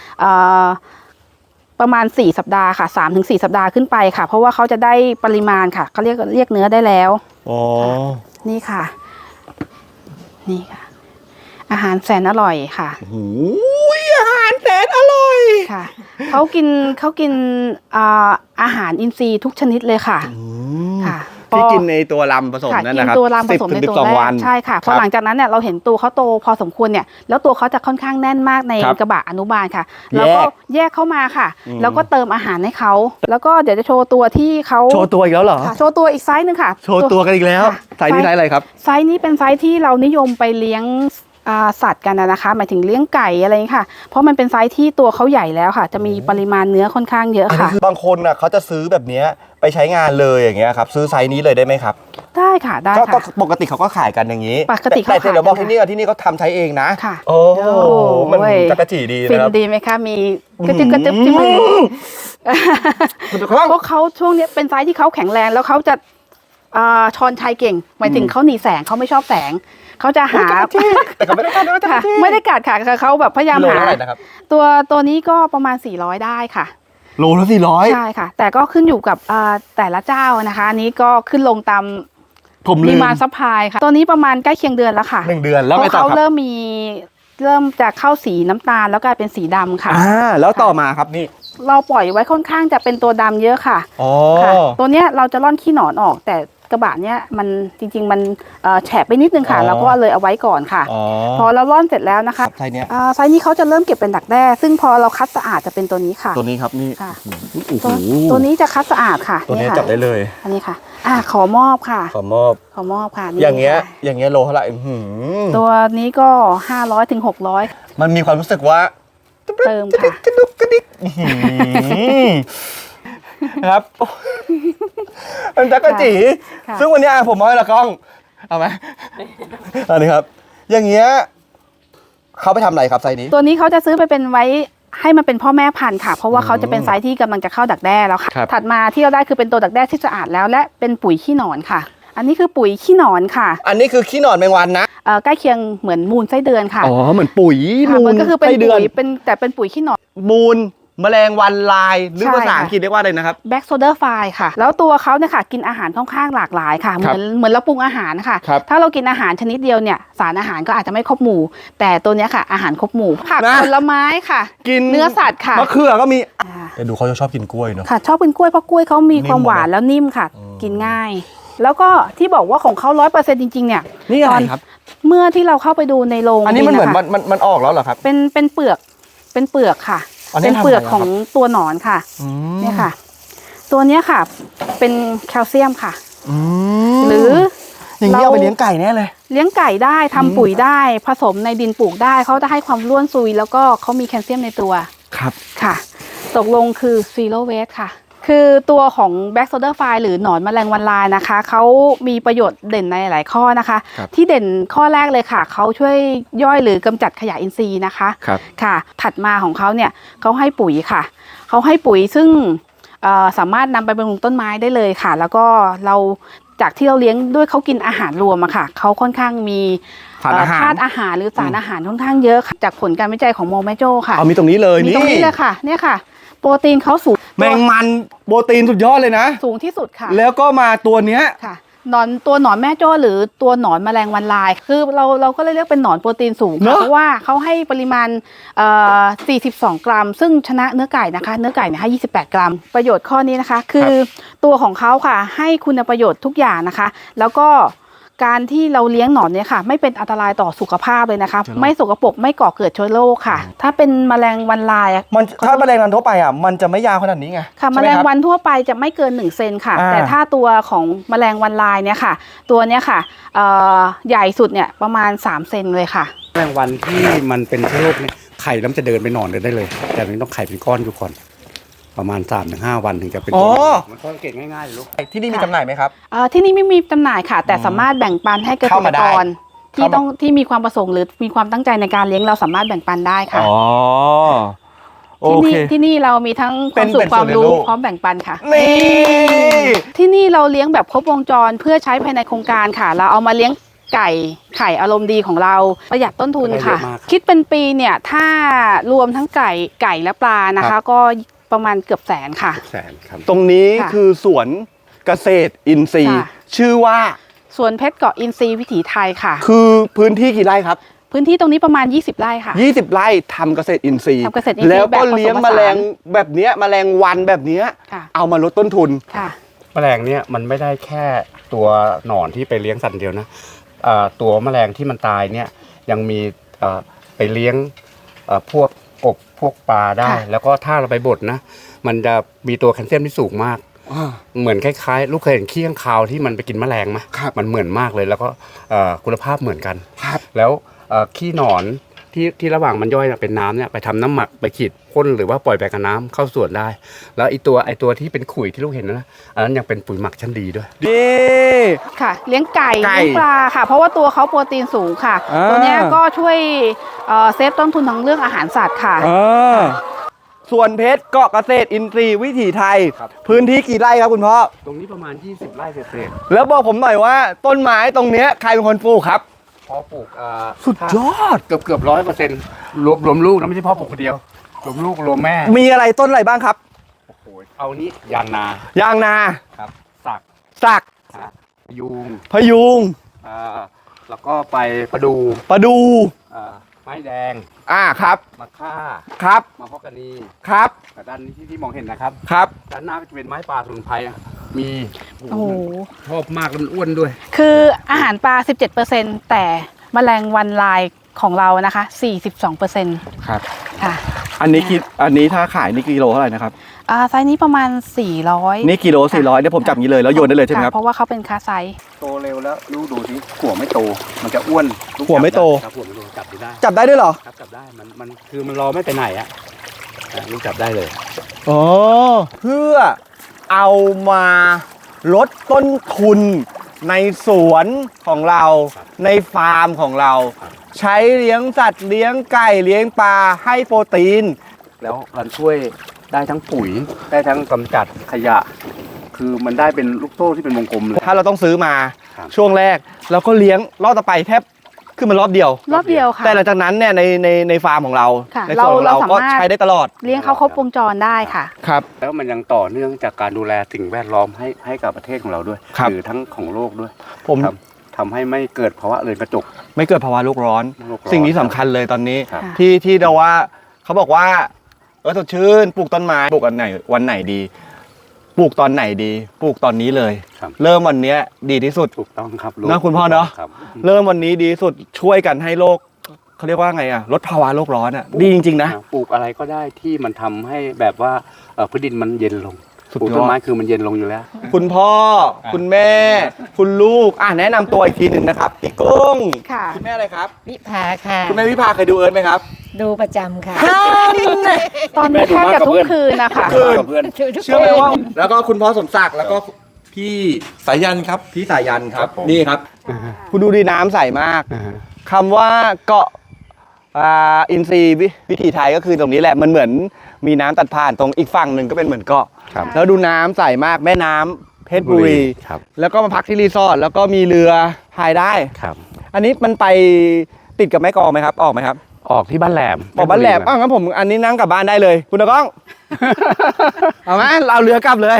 [SPEAKER 2] มาณ4 สัปดาห์ค่ะ3 ถึง 4 สัปดาห์ขึ้นไปค่ะ เพราะว่าเขาจะได้ปริมาณค่ะเขาเรียกเนื้อได้แล้ว
[SPEAKER 1] อ๋อ
[SPEAKER 2] นี่ค่ะ นี่ค่ะ อาหารแสนอร่อยค่ะ
[SPEAKER 1] โอ้ยอาหารแสนอร่อย
[SPEAKER 2] ค่ะเขากินอาหารอินทรีย์ทุกชนิดเลยค่ะค่ะ
[SPEAKER 1] ที่กินในตัวลำผสม
[SPEAKER 2] ค่ะ
[SPEAKER 1] นั่นนะครับ
[SPEAKER 2] กินตัวรามผสมในตัว
[SPEAKER 1] 10 ถึง
[SPEAKER 2] แร
[SPEAKER 1] 12 วั
[SPEAKER 2] ก
[SPEAKER 1] น
[SPEAKER 2] ใช่ค่ะพอหลังจากนั้นเนี่ยเราเห็นตัวเขาโตพอสมควรเนี่ยแล้วตัวเขาจะค่อนข้างแน่นมากใน
[SPEAKER 1] ครับ
[SPEAKER 2] กระบะอนุบาลค่ะแล้วก็แยกเข้ามาค่ะ แล้วก็เติมอาหารให้เขาแล้วก็เดี๋ยวจะโชว์ตัวที่เขา
[SPEAKER 1] โชว์ตัวอีกแล้วเหรอ
[SPEAKER 2] ค่ะโชว์ตัวอีกไซส์หนึ่งค่ะ
[SPEAKER 1] โชว์ตัวกันอีกแล้ว
[SPEAKER 2] ค่ะ
[SPEAKER 1] ไซส์นี้ไซส์อะไรครับ
[SPEAKER 2] ไซส์นี้เป็นไซส์ที่เรานิยมไปเลี้ยงสัตว์กันนะคะหมายถึงเลี้ยงไก่อะไรอย่างนี้ค่ะเพราะมันเป็นไซส์ที่ตัวเขาใหญ่แล้วค่ะจะมีปริมาณเนื้อค่อนข้างเยอะค่ะ
[SPEAKER 1] คือบางคนน่ะเขาจะซื้อแบบเนี้ยไปใช้งานเลยอย่างเงี้ยครับซื้อไซส์นี้เลยได้ไหมครับ
[SPEAKER 2] ได้ค่ะได้
[SPEAKER 1] ก็
[SPEAKER 2] ค่ะ
[SPEAKER 1] ปกติเขาก็ขายกันอย่างนี้
[SPEAKER 2] ปกติเขา
[SPEAKER 1] แต่
[SPEAKER 2] ขาย
[SPEAKER 1] เดี๋ยวบอก
[SPEAKER 2] กัน
[SPEAKER 1] ที่นี่เขาทำใช้เองนะ
[SPEAKER 2] ค่ะ
[SPEAKER 1] โอ้โหมัน
[SPEAKER 2] โอ้ย
[SPEAKER 1] จักรจีดี
[SPEAKER 2] ฟิ
[SPEAKER 1] นะ
[SPEAKER 2] น
[SPEAKER 1] ครับ
[SPEAKER 2] ดีไหมคะมีกระจึบกระจึบที่มือ
[SPEAKER 1] คุณดูครับ
[SPEAKER 2] พวกเขาช่วงนี้เป็นไซส์ที่เขาแข็งแรงแล้วเขาจะชอนชัยเก่งหมายถึงเขาหนีแสงเขาไม่ชอบแสงเขาจะหา
[SPEAKER 1] แต่ก็ไม่ได้กัดด้วยจักร
[SPEAKER 2] ค่ะ
[SPEAKER 1] จี
[SPEAKER 2] ไม่ได้กัดค่ะเขาแบบพยายาม
[SPEAKER 1] โล
[SPEAKER 2] หา
[SPEAKER 1] เท่าไหร่นะครับ
[SPEAKER 2] ตัวนี้ก็ประมาณ400ได้ค่ะ
[SPEAKER 1] โลละ400
[SPEAKER 2] ใช่ค่ะ แต่ก็ขึ้นอยู่กับแต่ละเจ้านะคะอันนี้ก็ขึ้นลงตาม
[SPEAKER 1] ผม
[SPEAKER 2] ป
[SPEAKER 1] ลื
[SPEAKER 2] ริ
[SPEAKER 1] ม
[SPEAKER 2] มาณซัพพลายค่ะตัวนี้ประมาณใกล้เคียงเดือนแล้วค่ะ
[SPEAKER 1] 1 เดือนแล้ว
[SPEAKER 2] เพ
[SPEAKER 1] ไง
[SPEAKER 2] ราะ
[SPEAKER 1] ต่อ
[SPEAKER 2] เขา
[SPEAKER 1] ครับ
[SPEAKER 2] เริ่มจะเข้าสีน้ำตาลแล้วกลายเป็นสีดำค่ะ
[SPEAKER 1] แล้วต่อมาครับนี่
[SPEAKER 2] เราปล่อยไว้ค่อนข้างจะเป็นตัวดำเยอะค่ะ
[SPEAKER 1] อ๋อ
[SPEAKER 2] ค่ะ ตัวเนี้ยเราจะร่อนขี้หนอนออก แต่กระบะเนี้ยมันจริงๆมันแฉะไปนิดนึงค่ะเราก็เลยเอาไว้ก่อนค่ะ พอเราร่อนเสร็จแล้วนะคะ
[SPEAKER 1] ไซส์เนี้ย
[SPEAKER 2] ไซส์นี้เขาจะเริ่มเก็บเป็นดักแด้ซึ่งพอเราคัดสะอาดจะเป็นตัวนี้ค่ะ
[SPEAKER 1] ตัวนี้ครับนี่
[SPEAKER 2] ค่ะ
[SPEAKER 1] โอ้โห
[SPEAKER 2] ตัวนี้จะคัดสะอาดค่ะ
[SPEAKER 1] ตัวนี้
[SPEAKER 2] ค่ะ
[SPEAKER 1] จับได้เลย
[SPEAKER 2] อันนี้ค่ะขอมอบค่ะ
[SPEAKER 1] ขอมอบ
[SPEAKER 2] ขอมอบค่ะนี่
[SPEAKER 1] อย่างเงี้ย
[SPEAKER 2] ค่ะ
[SPEAKER 1] อย่างเงี้ยโลเท่าไหร่อื้อหือ
[SPEAKER 2] ตัวนี้ก็500ถึง600
[SPEAKER 1] มันมีความรู้สึกว่า
[SPEAKER 2] เติมค่ะ
[SPEAKER 1] กระดุกกระดิกอื้อหือนะครับ มันจักรจี
[SPEAKER 2] ค่ะ
[SPEAKER 1] ซึ่งวันนี้ผมเอาให้ละกล้องเอาไหมอันนี้ครับ อย่างเงี้ยเขาไปทำอะไรครับไซส์นี้
[SPEAKER 2] ตัวนี้เขาจะซื้อไปเป็นไว้ให้มันเป็นพ่อแม่พันธุ์ค่ะ เพราะว่าเขาจะเป็นไซส์ที่กำลังจะเข้าดักแด้แล้วค่ะ
[SPEAKER 1] ครับ
[SPEAKER 2] ถัดมาที่เราได้คือเป็นตัวดักแด้ที่สะอาดแล้วและเป็นปุ๋ยขี้หนอนค่ะ อันนี้คือปุ๋ยขี้หนอนค่ะ
[SPEAKER 1] อันนี้คือขี้หนอนแมงวันนะ
[SPEAKER 2] ใกล้เคียงเหมือนมูลไส้เดือนค่ะ
[SPEAKER 1] อ๋อเหมือนปุ๋ย
[SPEAKER 2] ค่ะ
[SPEAKER 1] มู
[SPEAKER 2] มั
[SPEAKER 1] ล
[SPEAKER 2] นก็คือเป็น
[SPEAKER 1] ไส้เดือ
[SPEAKER 2] ปุ๋
[SPEAKER 1] น
[SPEAKER 2] ยแต่เป็นปุ๋ยขี้หนอน
[SPEAKER 1] มูลแมลงวันลายหรือ
[SPEAKER 2] ใช่
[SPEAKER 1] ภาษา
[SPEAKER 2] ค่ะ
[SPEAKER 1] อังกฤษเรียกว่าอะไรนะครับ
[SPEAKER 2] แบ็กโซเดอร์ไฟค่ะ แล้วตัวเขาเนี่ยค่ะกินอาหารค่อนข้างหลากหลายค่ะ เหมือนเราปรุงอาหารค่ะ
[SPEAKER 1] ครับ
[SPEAKER 2] ถ้าเรากินอาหารชนิดเดียวเนี่ยสารอาหารก็อาจจะไม่ครบหมู่ แต่ตัวเนี้ยค่ะอาหารครบหมู่ผัก
[SPEAKER 1] นะ
[SPEAKER 2] ผลไม้ค่ะ
[SPEAKER 1] กิน
[SPEAKER 2] เนื้อสัตว์ค่ะ
[SPEAKER 1] มะเขือก็มี
[SPEAKER 2] อ่า
[SPEAKER 1] แต่ดูเขาจะชอบกินกล้วยเนาะ
[SPEAKER 2] ค่ะชอบกินกล้วยเพราะกล้วยเขามี
[SPEAKER 1] นิ่ม
[SPEAKER 2] ความหวาน
[SPEAKER 1] หมดเลย
[SPEAKER 2] แล้วนิ่มค่ะ กินง่าย แล้วก็ที่บอกว่าของเขา100%จริงๆเนี่ย
[SPEAKER 1] นี่อะไรครับ
[SPEAKER 2] เมื่อที่เราเข้าไปดูในโรง
[SPEAKER 1] อันนี้มันเหมือน
[SPEAKER 2] ะคะ
[SPEAKER 1] มันออกแล้วเหรอครับ
[SPEAKER 2] เป็นเปลือกค่ะ
[SPEAKER 1] อันนี้
[SPEAKER 2] เป็นเปลือก
[SPEAKER 1] ทำอะไร
[SPEAKER 2] ของตัวหนอนค่ะ
[SPEAKER 1] ม
[SPEAKER 2] เนี่ยค่ะ ตัวเนี้ยค่ะ เป็นแคลเซียมค่ะ
[SPEAKER 1] ม
[SPEAKER 2] หรือ
[SPEAKER 1] อย่างนี้เอาไปเลี้ยงไก่แน่เลย
[SPEAKER 2] เลี้ยงไก่ได้ทำปุ๋ยได้ผสมในดินปลูกได้เขาจะให้ความร่วนซุย แล้วก็เขามีแคลเซียมในตัว
[SPEAKER 1] ครับ
[SPEAKER 2] ค่ะ ตกลงคือ zero waste ค่ะ คือตัวของ Black Soldier Fly หรือหนอนแมลงวันลายนะคะเขามีประโยชน์เด่นในหลายข้อนะคะ
[SPEAKER 1] ครับ
[SPEAKER 2] ที่เด่นข้อแรกเลยค่ะเขาช่วยย่อยหรือกำจัดขยะอินทรีย์นะคะ
[SPEAKER 1] ครับ
[SPEAKER 2] ค่ะถัดมาของเขาเนี่ยเขาให้ปุ๋ยค่ะเขาให้ปุ๋ยซึ่งสามารถนำไปบำรุงต้นไม้ได้เลยค่ะ แล้วก็เราจากที่เราเลี้ยงด้วยเขากินอาหารรวมอะค่ะเขาค่อนข้างมี
[SPEAKER 1] สารอาหาร
[SPEAKER 2] ธาตุอาหารหรือสารอาหารค่อนข้างเยอะค่ะจากผลการวิจัยของโมแมโจค่ะ
[SPEAKER 1] เอามีตรงนี้เลย
[SPEAKER 2] มี
[SPEAKER 1] นี่
[SPEAKER 2] ตรงนี้เลยค่ะเนี่ยค่ะ โปรตีนเขาสูง
[SPEAKER 1] แมงมันโปรตีนสุดยอดเลยนะ
[SPEAKER 2] สูงที่สุดค่ะ
[SPEAKER 1] แล้วก็มาตัวเนี้ย
[SPEAKER 2] ค่ะตัวหนอนแม่โจ้หรือตัวหนอนแมลงวันลาย คือเราก็เลยเรียกเป็นหนอนโปรตีนสูง
[SPEAKER 1] เน
[SPEAKER 2] ค่ะ
[SPEAKER 1] อะ
[SPEAKER 2] เพราะว่าเขาให้ปริมาณ42 กรัม ซึ่งชนะเนื้อไก่นะคะเนื้อไก่เนี่ยให้28 กรัม ประโยชน์ข้อนี้นะคะ คือตัวของเขาค่ะให้คุณประโยชน์ทุกอย่างนะคะ แล้วก็การที่เราเลี้ยงหนอนเนี่ยค่ะ ไม่เป็นอันตรายต่อสุขภาพเลยนะคะ ไม่สกปรกไม่ก่อเกิดเชื้อโรคค่ะ ถ้าเป็นแมลงวันลายอะ
[SPEAKER 1] มันถ้าแมลงวันทั่วไปอ่ะมันจะไม่ยาวขนาดนี้ไง
[SPEAKER 2] ค่ะแม
[SPEAKER 1] ใช่ไห
[SPEAKER 2] ลง
[SPEAKER 1] ครับ
[SPEAKER 2] วันทั่วไปจะไม่เกิน1 เซนค่ะ
[SPEAKER 1] อ่า
[SPEAKER 2] แต่ถ้าตัวของแมลงวันลายเนี่ยค่ะ ตัวเนี้ยค่ะใหญ่สุดเนี่ยประมาณ3 เซนเลยค่ะ
[SPEAKER 5] แมลงวันที่มันเป็นเชื้อโรคเนี่ยไข่แล้วมันจะเดินไปนอนเดินได้เลย แต่มันต้องไข่เป็นก้อนอยู่ก่อน ประมาณ 3-5 วันถึงจะเป็น
[SPEAKER 1] อ๋อ
[SPEAKER 5] ตัวมันก็เก่งง่ายๆเลยลูก
[SPEAKER 1] ที่นี่มีจำหน่ายไหมครับ
[SPEAKER 2] ที่นี่ไม่มีจำหน่ายค่ะ แต่สามารถแบ่งปันให้เกษ
[SPEAKER 1] เข้า
[SPEAKER 2] ต
[SPEAKER 1] มาร ได้
[SPEAKER 2] กรที่
[SPEAKER 1] เข้ามา
[SPEAKER 2] ต้องที่มีความประสงค์หรือมีความตั้งใจในการเลี้ยงเราสามารถแบ่งปันได้ค่ะ
[SPEAKER 1] อ๋อโอ
[SPEAKER 2] ที่
[SPEAKER 1] เค
[SPEAKER 2] นี่ที่นี่เรามีทั้งค
[SPEAKER 1] เป็
[SPEAKER 2] วาน มสุข
[SPEAKER 1] เป็น
[SPEAKER 2] ความ
[SPEAKER 1] ส่วน
[SPEAKER 2] รู้
[SPEAKER 1] ในโลก
[SPEAKER 2] พร้อมแบ่งปันค่ะ
[SPEAKER 1] นี่
[SPEAKER 2] ที่นี่เราเลี้ยงแบบครบวงจรเพื่อใช้ภายในโครงการค่ะ เราเอามาเลี้ยงไก่ไข่อารมณ์ดีของเราประหยัดต้นทุนค่ะ
[SPEAKER 5] ได้เยอะมาก
[SPEAKER 2] คิดเป็นปีเนี่ยถ้ารวมทั้งไก่และปลานะคะ ก็ประมาณเกือบแสนค่ะ
[SPEAKER 5] แสนครับ
[SPEAKER 1] ตรงนี้
[SPEAKER 2] ค่ะ
[SPEAKER 1] คือสวนเกษตรอินทรีย์
[SPEAKER 2] ค่ะ
[SPEAKER 1] ชื่อว่า
[SPEAKER 2] สวนเพชรเกาะอินทรีย์วิถีไทยค่ะ
[SPEAKER 1] คือพื้นที่กี่ไร่ครับ
[SPEAKER 2] พื้นที่ตรงนี้ประมาณ 20 ไร่ค่ะ
[SPEAKER 1] 20 ไร่ทำเกษตรอินทรีย์
[SPEAKER 2] ทำเกษตรอินทรีย์
[SPEAKER 1] แล้วก็
[SPEAKER 2] แบบผสม
[SPEAKER 1] เลี้ยง
[SPEAKER 2] ผ
[SPEAKER 1] แม
[SPEAKER 2] สาน
[SPEAKER 1] ลงแบบเนี้ยแมลงวันแบบเนี้ย
[SPEAKER 2] ค่ะ
[SPEAKER 1] เอามาลดต้นทุน
[SPEAKER 2] ค่ะ
[SPEAKER 5] แมลงเนี่ยมันไม่ได้แค่ตัวหนอนที่ไปเลี้ยงสัตว์เดียวนะตัวแมลงที่มันตายเนี่ยยังมีไปเลี้ยงพวกกบพวกปลาได้
[SPEAKER 2] ค่ะ
[SPEAKER 5] แล้วก็ถ้าเราไปบดนะมันจะมีตัวแคลเซียมที่สูงมากเหมือนคล้ายๆลูกเคยเห็นขี้ข้างคาวที่มันไปกินแมลงไหม
[SPEAKER 1] ครับ
[SPEAKER 5] มันเหมือนมากเลยแล้วก็คุณภาพเหมือนกัน
[SPEAKER 1] ครับ
[SPEAKER 5] แล้วขี้หนอนที่ระหว่างมันย่อยเป็นน้ำเนี่ยไปทำน้ำหมักไปขีดพ่นหรือว่าปล่อยไปกับน้ำเข้าสวนได้ แล้วไอตัวที่เป็นขุยที่ลูกเห็นนะอันนั้นยังเป็นปุ๋ยหมักชั้นดีด้วย
[SPEAKER 1] นี่
[SPEAKER 2] ค่ะ เลี้ยงไก่
[SPEAKER 1] ไก่
[SPEAKER 2] เลี้ยงปลาค่ะ เพราะว่าตัวเขาโปรตีนสูงค่ะ
[SPEAKER 1] อ่า
[SPEAKER 2] ตัวเนี้ยก็ช่วยเซฟต้นทุนทางเรื่องอาหารสัตว์ค่ะ
[SPEAKER 1] ส่วนเพชรเกาะเกษตรอินทรีย์วิถีไทย
[SPEAKER 5] ครับ
[SPEAKER 1] พื้นที่กี่ไร่ครับคุณพ่อ
[SPEAKER 5] ตรงนี้ประมาณ 20 ไร่เศษ
[SPEAKER 1] แล้วบอกผมหน่อยว่าต้นไม้ตรงเนี้ยใครเป็นคนปลูกครับ
[SPEAKER 5] ๆพอปลูก
[SPEAKER 1] สุดยอด
[SPEAKER 5] เกือบ100%รวมลูกนะไม่ใช่พ่อปลูกคนเดียวรวมลูกรวมแม่
[SPEAKER 1] มีอะไรต้นอะไรบ้างครับ
[SPEAKER 5] โอ้โหเอานี้ยางนาย
[SPEAKER 1] างนา
[SPEAKER 5] ครับสัก
[SPEAKER 1] สัก
[SPEAKER 5] ยูง
[SPEAKER 1] พยุง
[SPEAKER 5] แล้วก็ไปประดู
[SPEAKER 1] ประดู
[SPEAKER 5] ไม้แดง
[SPEAKER 1] ครับ
[SPEAKER 5] มะค่า
[SPEAKER 1] ครับ
[SPEAKER 5] มะฮอกกานี
[SPEAKER 1] ครับ
[SPEAKER 5] กับด้านนี้ที่มองเห็นนะครับ
[SPEAKER 1] ครับ
[SPEAKER 5] ด้านหน้าก็จะเป็นไม้ป่าสมุนไพรมี
[SPEAKER 2] โอ้โห
[SPEAKER 5] ชอบมากแล้วมันอ้วนด้วย
[SPEAKER 2] คืออาหารปลา 17%แต่แมลงวันลายของเรานะคะ 42%
[SPEAKER 1] ครับ
[SPEAKER 2] ค่ะ
[SPEAKER 1] อันนี้ถ้าขายนี่กิโลเท่าไหร่นะครับ
[SPEAKER 2] ไซส์นี้ประมาณ 400
[SPEAKER 1] นี่กิโล400เดี๋ยวผมจับอย่างนี้เลยแล้วโยนได้เลยใช่ไหมครับ
[SPEAKER 2] เพราะว่าเขาเป็นคาไซส์
[SPEAKER 5] โตเร็วแล้วลูกดูที่หัวไม่โต มันจะอ้วนลูก
[SPEAKER 1] หัวไม่โต
[SPEAKER 5] จับหัวไม่โตจับได้
[SPEAKER 1] จับได้ด้วยเหรอ
[SPEAKER 5] ครับจับได้มันคือมันรอไม่ไปไหนอะลูกจับได้เลย
[SPEAKER 1] อ๋อเพื่อเอามาลดต้นทุนในสวนของเรา ในฟาร์มของเรา ใช้เลี้ยงสัตว์เลี้ยงไก่เลี้ยงปลาให้โปรตีน
[SPEAKER 5] แล้วมันช่วยได้ทั้งปุ๋ยได้ทั้งกำจัดขยะ คือมันได้เป็นลูกโซ่ที่เป็นวงกลมเลย
[SPEAKER 1] ถ้าเราต้องซื้อมา
[SPEAKER 5] ครับ
[SPEAKER 1] ช่วงแรกเราก็เลี้ยงรอบต่อไปแทบคือมันรอบเดียว
[SPEAKER 2] รอบเดียวค่ะ
[SPEAKER 1] แต่หลังจากนั้นเนี่ยในฟาร์มของเรา
[SPEAKER 2] ค่ะ
[SPEAKER 1] ในส่วนของเรา
[SPEAKER 2] เรา
[SPEAKER 1] ก็
[SPEAKER 2] สามารถ
[SPEAKER 1] ใช้ได้ตลอด
[SPEAKER 2] เลี้ยงเขาครบวงจรได้ค่ะ
[SPEAKER 1] ครับ
[SPEAKER 5] แล้วมันยังต่อเนื่องจากการดูแลสิ่งแวดล้อมให้กับประเทศของเราด้วย
[SPEAKER 1] ครับ
[SPEAKER 5] หรือทั้งของโลกด้วย
[SPEAKER 1] ผม
[SPEAKER 5] ครับทำให้ไม่เกิดภาวะเรือนกระจก
[SPEAKER 1] ไม่เกิดภาวะโลกร้อน
[SPEAKER 5] โลกร้อน
[SPEAKER 1] สิ่งนี้สำคัญเลยตอนนี้
[SPEAKER 5] ครับ
[SPEAKER 1] ที่เราว่าเขาบอกว่าสดชื่นปลูกต้นไม้ปลูกวันไหนดี ปลูกตอนไหนดี ปลูกตอนนี้เลย
[SPEAKER 5] ครับ
[SPEAKER 1] เริ่มวันเนี้ยดีที่สุด
[SPEAKER 5] ถูกต้องครับ
[SPEAKER 1] นะคุณพ่อเนอะ
[SPEAKER 5] ครับ
[SPEAKER 1] เริ่มวันนี้ดีที่สุดช่วยกันให้โลกเขาเรียกว่าไงอะลดภาวะโลกร้อนอะดีจริงๆนะ
[SPEAKER 5] ปลูกอะไรก็ได้ที่มันทำให้แบบว่าพื้นดินมันเย็นลง
[SPEAKER 1] สุด
[SPEAKER 5] ปลูก
[SPEAKER 1] ยอด
[SPEAKER 5] ต้นไม้คือมันเย็นลงอยู่แล้ว
[SPEAKER 1] คุณพ่อ คุณแม่ คุณลูกแนะนำตัวอีกทีหนึ่งนะครับพี่กุ้ง
[SPEAKER 2] ค่ะ
[SPEAKER 1] คุณแม่อะไรครับ
[SPEAKER 4] วิภาค่ะ
[SPEAKER 1] คุณแม่วิภาเคยดูเอิร์ธไหมครับ
[SPEAKER 4] ดูประจำค่ะ
[SPEAKER 2] ตอนนี้แทบจะทุกคืนนะคะ
[SPEAKER 1] คืน
[SPEAKER 5] กับเพื่อน
[SPEAKER 1] เชื่อไหมว่าแล้วก็คุณพ่อสมศักดิ์แล้วก็พี่
[SPEAKER 6] สายันครับ
[SPEAKER 1] พี่สายันครับ
[SPEAKER 6] ครับผม
[SPEAKER 1] นี่ครับ คุณดูดีน้ำใสมากคำว่าเกาะอินทรีย์วิถีไทยก็คือตรงนี้แหละมันเหมือนมีน้ำตัดผ่านตรงอีกฝั่งหนึ่งก็เป็นเหมือนเกาะ
[SPEAKER 5] ครับ
[SPEAKER 1] แล้วดูน้ำใสมากแม่น้ำเพชรบุรี
[SPEAKER 5] ครับ
[SPEAKER 1] แล้วก็มาพักที่รีสอร์ทแล้วก็มีเรือพายได้
[SPEAKER 5] ครับ
[SPEAKER 1] อันนี้มันไปติดกับแม่กลองไหมครับออกไหมครับ
[SPEAKER 5] ออกที่บ้านแหลม
[SPEAKER 1] ออกบ้านแหลมงั้นผมอันนี้นั่งกลับบ้านได้เลยคุณตะก้อง เอาไหมเราเรือกลับเลย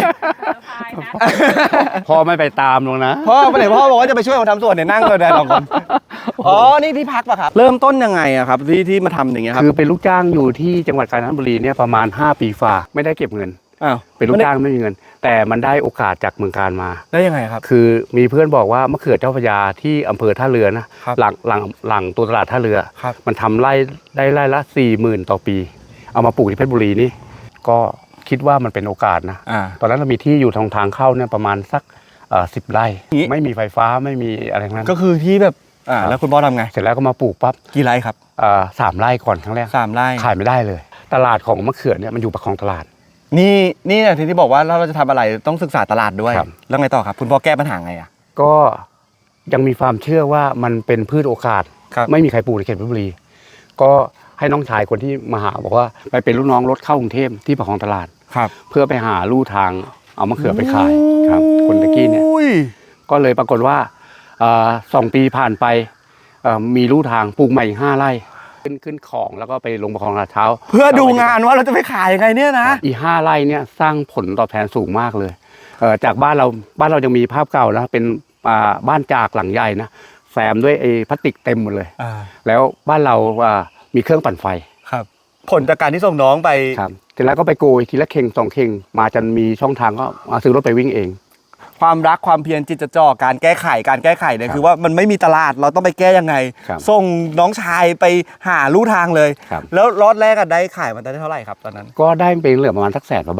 [SPEAKER 5] พ่อไม่ไปตามลงนะ
[SPEAKER 1] พ่อไปไหนพ่อบอกว่าจะไปช่วยผมทำสวนเนี่ยนั่งเลยนะสองคนอ๋อนี่ที่พักป่ะครับเริ่มต้นยังไงอะครับที่มาทำอย่างเงี้ยครับ
[SPEAKER 5] คือเป็นลูกจ้างอยู่ที่จังหวัดกาญจนบุรีเนี่ยประมาณ5 ปีฝ่าไม่ได้เก็บเงิน
[SPEAKER 1] อ้าว
[SPEAKER 5] เป็นลูกจ้างไม่มีเงิน แต่มันได้โอกาสจากเมืองการมา
[SPEAKER 1] ได้ยังไงครับ
[SPEAKER 5] คือมีเพื่อนบอกว่ามะเขือเจ้าพระยาที่อำเภอท่าเรือนะครับ หลังตัวตลาดท่าเรือ
[SPEAKER 1] ครับ
[SPEAKER 5] มันทำไร่ได้ไร่ละ 40,000 ต่อปี เอามาปลูกที่เพชรบุรีนี่ก็คิดว่ามันเป็นโอกาสนะ ตอนนั้นเรามีที่อยู่ทางเข้าเนี่ยประมาณสัก10 ไร่
[SPEAKER 1] อย่างงี้
[SPEAKER 5] ไม่มีไฟฟ้าไม่มีอะไรทั้งนั้น
[SPEAKER 1] ก็คือที่แบบแล้วคุณพ่อทำไง
[SPEAKER 5] เสร็จแล้วก็มาปลูกปั๊บ
[SPEAKER 1] กี่ไร่ครับ
[SPEAKER 5] 3 ไร่ก่อนครั้งแรก
[SPEAKER 1] 3 ไร่
[SPEAKER 5] ขายไม่ได้เลย ตลาดของมะเขือเนี่ยมันอยู่ประคองตลาด
[SPEAKER 1] นี่เนี่ยที่บอกว่าเราจะทำอะไรต้องศึกษาตลาดด้วย
[SPEAKER 5] ครับ
[SPEAKER 1] แล้วไงต่อครับคุณพ่อแก้ปัญหาไงอะ
[SPEAKER 5] ก็ยังมีความเชื่อว่ามันเป็นพืชโอกาส
[SPEAKER 1] ครับ
[SPEAKER 5] ไม่มีใครปลูกในเขตเพชรบุรี ก็ให้น้องชายคนที่มาหาบอกว่าไปเป็นลูกน้องรถเข้ากรุงเทพที่ประคองตลาด
[SPEAKER 1] ครับ
[SPEAKER 5] เพื่อไปหาลู่ทางเอามะเขือไปขายครับคนตะกี้เนี่ย
[SPEAKER 1] อุ้ย
[SPEAKER 5] ก็เลยปรากฏว่า2 ปีผ่านไปมีลู่ทางปลูกใหม่อีก5 ไร่ขึ้นของแล้วก็ไปลงประคองลาดเท้า
[SPEAKER 1] เพื่อดูงานว่าเราจะไปขายยังไงเนี่ยนะ
[SPEAKER 5] อีก5 ไร่เนี่ยสร้างผลตอบแทนสูงมากเลยจากบ้านเรายังมีภาพเก่านะเป็นบ้านจากหลังใหญ่นะแซมด้วยไอ้พลาสติกเต็มหมดเลย แล้วบ้านเรามีเครื่องปั่นไฟ
[SPEAKER 1] ครับผลจากการที่ส่งน้องไป
[SPEAKER 5] ครับเสร็จแล้วก็ไปโกยทีละเข่ง2 เข่งมาจนมีช่องทางก็มาซื้อรถไปวิ่งเอง
[SPEAKER 1] ความรักความเพียรจิตจดจ่อการแก้ไขเนี่ยคือว่ามันไม่มีตลาดเราต้องไปแก้ยังไง
[SPEAKER 5] ครับ
[SPEAKER 1] ส่งน้องชายไปหาลู่ทางเลย
[SPEAKER 5] ครับ
[SPEAKER 1] แล้วรอดแรกได้ขายมันได้เท่าไหร่ครับตอนนั้น
[SPEAKER 5] ก็ได้เป็นเหลือประมาณสัก100,000 กว่าบาท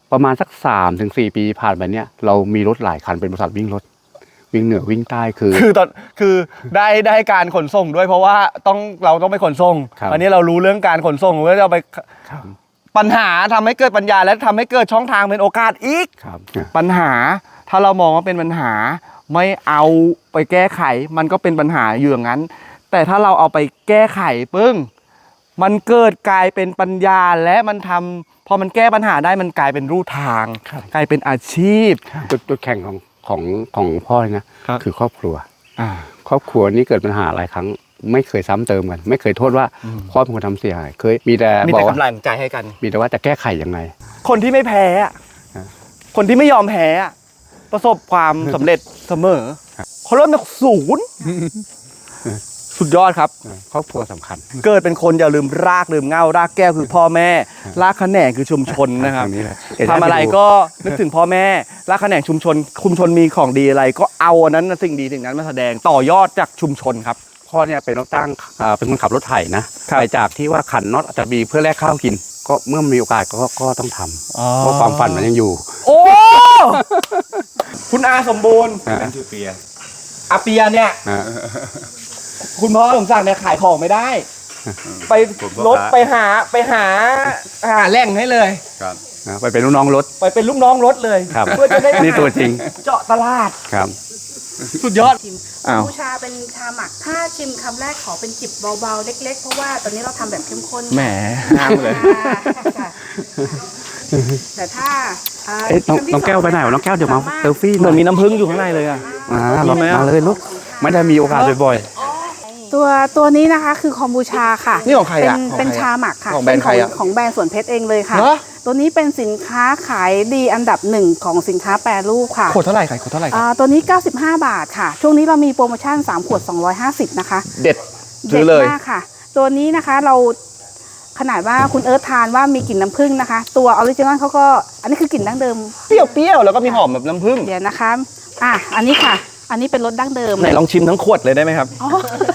[SPEAKER 5] ประมาณสัก3-4 ปีผ่านไปเนี่ยเรามีรถหลายคันเป็นบริษัทวิ่งรถวิ่งเหนือวิ่งใต้คือ
[SPEAKER 1] คือได้การขนส่งด้วยเพราะว่าเราต้องไปขนส่ง
[SPEAKER 5] ครับ
[SPEAKER 1] อันนี้เรารู้เรื่องการขนส่งก็จะไป
[SPEAKER 5] ครับ
[SPEAKER 1] ปัญหาทำให้เกิดปัญญาและทำให้เกิดช่องทางเป็นโอกาสอีก
[SPEAKER 5] ครับ
[SPEAKER 1] ปัญหาถ้าเรามองว่าเป็นปัญหาไม่เอาไปแก้ไขมันก็เป็นปัญหาอยู่อย่างนั้น แต่ถ้าเราเอาไปแก้ไขปึ้งมันเกิดกลายเป็นปัญญาและมันทำพอมันแก้ปัญหาได้มันกลายเป็นรูทาง กลายเป็นอาชีพ
[SPEAKER 5] จุดแข่งของพ่อเลยนะครับ คือครอบครัว
[SPEAKER 1] อ่า
[SPEAKER 5] ครอบครัวนี้เกิดปัญหาหลายครั้งไม่เคยซ้ำเติมกัน ไม่เคยโทษว่าพ่อเป็นคนทำเสียหายเคยมีแต่
[SPEAKER 1] มี
[SPEAKER 5] บอก
[SPEAKER 1] แต่
[SPEAKER 5] ว่าก
[SPEAKER 1] ำลังใจให้กัน
[SPEAKER 5] มีแต่ว่าจะแก้ไขยังไง
[SPEAKER 1] คนที่ไม่แพ้อะ
[SPEAKER 5] อ่า
[SPEAKER 1] คนที่ไม่ยอมแพ้อะประสบความสำเร็จเสมอเขาเริ่มจากศูนย์สุดยอดครับ
[SPEAKER 5] ครอบครัวสำคัญ
[SPEAKER 1] เกิดเป็นคนอย่าลืมรากลืมเหง้ารากแก้วคือพ่อแม่ รากแขนงคือชุมชนนะครับ
[SPEAKER 5] ตงนี้เลย
[SPEAKER 1] ทำอะไรก็นึกถึงพ่อแม่รากแขนงชุมชนมีของดีอะไร ก็เอาอันนั้นสิ่งดีสิ่งนั้นมาแสดงต่อยอดจากชุมชนครับ
[SPEAKER 5] พ่อเนี่ยเป็นรถตั้งเป็นคนขับรถไถนะครับ ไปจากที่ว่าขันน็อตอาจจะมีเพื่อแลกข้าวกิน ก็เมื่อมีโอกาสก็ต้องทำเพราะความฝันมันยังอยู่
[SPEAKER 1] โอ้ คุณอาสมบูรณ์
[SPEAKER 5] อ่า
[SPEAKER 1] อาเปียเนี่ย
[SPEAKER 5] อ่า
[SPEAKER 1] คุณพ่อสมศักดิ์เนี่ยขายของไม่ได้ ไปรถไปหาแหล่งให้เลย
[SPEAKER 5] ไปเป็นลูกน้องรถ
[SPEAKER 1] ไปเป็นลูกน้องรถเลย
[SPEAKER 5] ครับ
[SPEAKER 1] เพื่อจะได้
[SPEAKER 5] นี่ตัวจริง
[SPEAKER 1] เจาะตลาด
[SPEAKER 5] ครับ
[SPEAKER 1] สุดยอด อ้าว
[SPEAKER 2] บูชาเป็นชาหมักถ้าชิมคำแรกขอเป็นจิบเบาๆเล็กๆ เพราะว่าตอนนี้เราทำแบบเข้มข้น
[SPEAKER 1] แหมห้ามเลย
[SPEAKER 2] ค่ะแต่ถ้า
[SPEAKER 5] เอ๊ะน้องแก้วไปไหนวะน้องแก้วเดี๋ยวมาเซลฟี่
[SPEAKER 1] เหมือนมีน้ำผึ้งอยู่ข้างในเลยอ่ะ
[SPEAKER 5] ลงมาเลยลูกไม่ได้มีโอกาสบ่อย
[SPEAKER 2] ตัวนี้นะคะคือคอมบูชาค่ะ
[SPEAKER 1] นี่ของใครอะ
[SPEAKER 2] เป็นชาหมักค่ะ
[SPEAKER 1] ของแบรนด์ใครอะ
[SPEAKER 2] ของแบรนด์สวนเพชรเองเลยค่ะ
[SPEAKER 1] เหรอ
[SPEAKER 2] ตัวนี้เป็นสินค้าขายดีอันดับหนึ่งของสินค้าแปรรูปค่ะ
[SPEAKER 1] ขวดเท่าไหร่ขายขวดเท่าไหร่ครับ
[SPEAKER 2] ตัวนี้ 95 บาทค่ะ ช่วงนี้เรามีโปรโมชั่น 3 ขวด 250 นะคะ
[SPEAKER 1] เด็ดซื้อเลย
[SPEAKER 2] ด็ดมากค่ะ ตัวนี้นะคะเราขนาดว่าคุณเอิร์ธทานว่ามีกลิ่นน้ำผึ้งนะคะ ตัวออริจินอลเขาก็อันนี้คือกลิ่นดั้งเดิม
[SPEAKER 1] เปรี้ยวๆแล้วก็มีหอมแบบน้ำผึ้ง
[SPEAKER 2] เดี๋ยวนะคะอันนี้ค่ะ อันนี้เป็นรสดั้งเดิม
[SPEAKER 1] ไหนลองชิมทั้งขวดเลยได้ไหมครับ
[SPEAKER 2] อ๋อ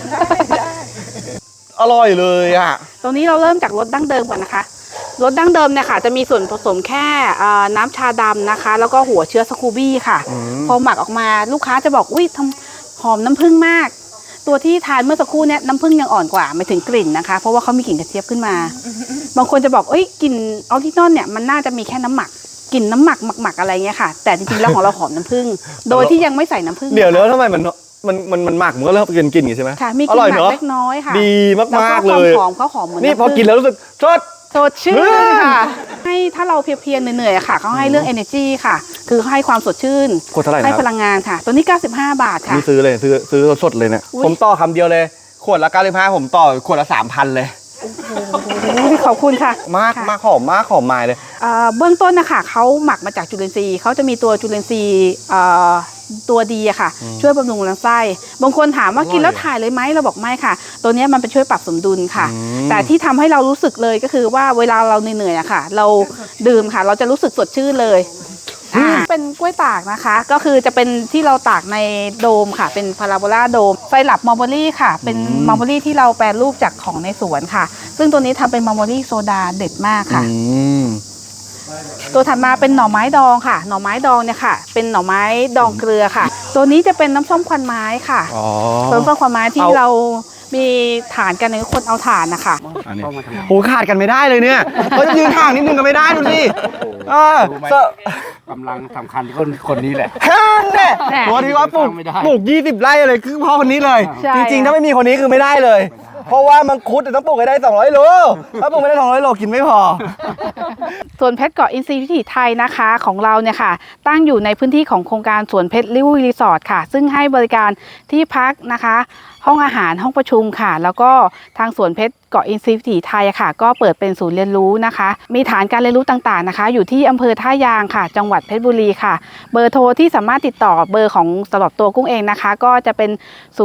[SPEAKER 1] อร่อยเลยอ่ะ
[SPEAKER 2] ตรงนี้เราเริ่มจากรสดั้งเดิมก่อนนะคะรสดั้งเดิมเนี่ยค่ะจะมีส่วนผสมแค่น้ำชาดำนะคะ แล้วก็หัวเชื้อสกูบี้ค่ะ พอหมักออกมาลูกค้าจะบอกอุ้ยทำหอมน้ำผึ้งมาก ตัวที่ทานเมื่อสักครู่เนี่ยน้ำผึ้งยังอ่อนกว่าไม่ถึงกลิ่นนะคะ เพราะว่าเขามีกลิ่นกระเจี๊ยบขึ้นมา บางคนจะบอกเอ้ยกลิ่นออริจินอลเนี่ยมันน่าจะมีแค่น้ำหมักกลิ่นน้ำหมักอะไรเงี้ยค่ะ แต่จริงๆแล้วของเราหอมน้ำผึ้งโดยที่ยังไม่ใส่น้ำผึ้ง
[SPEAKER 1] เดี๋ยวแล้วทำไมมันหมักมันก็เริ่มกินอย่างนี้ใช่ไหม
[SPEAKER 2] ค่ะมีก
[SPEAKER 1] อ
[SPEAKER 2] ลิ่
[SPEAKER 1] ร่อย
[SPEAKER 2] นหมั
[SPEAKER 1] เน
[SPEAKER 2] ก
[SPEAKER 1] อะ
[SPEAKER 2] เล็กน้อยค่ะ
[SPEAKER 1] ดี
[SPEAKER 2] แล้ว
[SPEAKER 1] มากๆ
[SPEAKER 2] ก็
[SPEAKER 1] เลย
[SPEAKER 2] ความหอมเขาหอมเหมือน
[SPEAKER 1] นี่
[SPEAKER 2] น้ำ
[SPEAKER 1] พอ
[SPEAKER 2] ผึ้ง
[SPEAKER 1] กินแล้วรู้สึกสด
[SPEAKER 2] สดชื่นค่ะให้ถ้าเราเพลียๆเหนื่อยๆอะค่ะเขาให้เรื่อง energy ค่ะ คือให้ความสดชื่น
[SPEAKER 1] ขวดเท่าไหร่นะ
[SPEAKER 2] ให้
[SPEAKER 1] ครับ
[SPEAKER 2] พลังงานค่ะ ตัวนี้ 95 บาทค่ะ
[SPEAKER 1] นี่ซื้อเลยซื้อสดๆเลยเนี่ย
[SPEAKER 2] อุ๊ย
[SPEAKER 1] ผมต่อคำเดียวเลย ขวดละ95ผมต่อขวดละ 3,000 เลย
[SPEAKER 2] ขอบคุณค่ะ
[SPEAKER 1] มาก
[SPEAKER 2] ค่ะ
[SPEAKER 1] มากหอมมายเลย
[SPEAKER 2] เบื้องต้นนะคะเขาหมักมาจากจุลินทรีย์เขาจะมีตัวจุลินทรีย์ตัวดีอะค่ะ ช่วยบำรุงลำไส้บางคนถามว่า
[SPEAKER 1] อร่อย
[SPEAKER 2] กินแล้วถ่ายเลยไหมเราบอกไม่ค่ะ ตัวเนี้ยมันเป็นช่วยปรับสมดุลค่ะ
[SPEAKER 1] อืม
[SPEAKER 2] แต่ที่ทำให้เรารู้สึกเลยก็คือว่าเวลาเราเหนื่อยๆอะค่ะ เราดื่มค่ะ เราจะรู้สึกสดชื่นเลยเป็นกล้วยตากนะคะ ก็คือจะเป็นที่เราตากในโดมค่ะ เป็นพาราโบลาโดมไซรัปมอลเบอรี่ค่ะ เป็นมอลเบอรี่ที่เราแปรรูปจากของในสวนค่ะ ซึ่งตัวนี้ทำเป็นมอลเบอรี่โซดาเด็ดมากค่ะ ตัวถัดมาเป็นหน่อไม้ดองค่ะ หน่อไม้ดองเนี่ยค่ะ เป็นหน่อไม้ดองเกลือค่ะ ตัวนี้จะเป็นน้ำส้มควันไม้ค่ะ
[SPEAKER 1] อ๋อ
[SPEAKER 2] น้ำส้มควันไม้ที่
[SPEAKER 1] เอา
[SPEAKER 2] เรามีฐานกันในคนเอาฐานนะคะ
[SPEAKER 5] เข้ามาทำงาน
[SPEAKER 1] โหขาดกันไม่ได้เลยเนี่ยเขายืนห่างนิดนึงก็ไม่ได้ดูสิ
[SPEAKER 5] รู้ไหม กำลังสำคัญคนนี้แหละ
[SPEAKER 1] แค่นั้นแหละ
[SPEAKER 2] แหม่
[SPEAKER 1] ตัวที่ว่าปลูก
[SPEAKER 5] ไม่ได้
[SPEAKER 1] 20 ไร่อะไรคือพ่อคนนี้เลย
[SPEAKER 2] ใช่
[SPEAKER 1] จริงๆ ถ้าไม่มีคนนี้คือไม่ได้เลย เพราะว่ามังคุดต้องปลูกให้ได้200 โลถ้าปลูกไม่ได้200 โลกินไม่พอ
[SPEAKER 2] สวนเพชรเกาะอินทรีย์วิถีไทยนะคะของเราเนี่ยค่ะ ตั้งอยู่ในพื้นที่ของโครงการสวนเพชรริวรีสอร์ทค่ะ ซึ่งให้บริการที่พักนะคะ ห้องอาหารห้องประชุมค่ะ แล้วก็ทางสวนเพชรเกาะอินทรีย์วิถีไทยค่ะ ก็เปิดเป็นศูนย์เรียนรู้นะคะ มีฐานการเรียนรู้ต่างๆนะคะ อยู่ที่อำเภอท่ายางค่ะ จังหวัดเพชรบุรีค่ะ เบอร์โทรที่สามารถติดต่อเบอร์ของสำหรับตัวกุ้งเองนะคะ ก็จะเป็น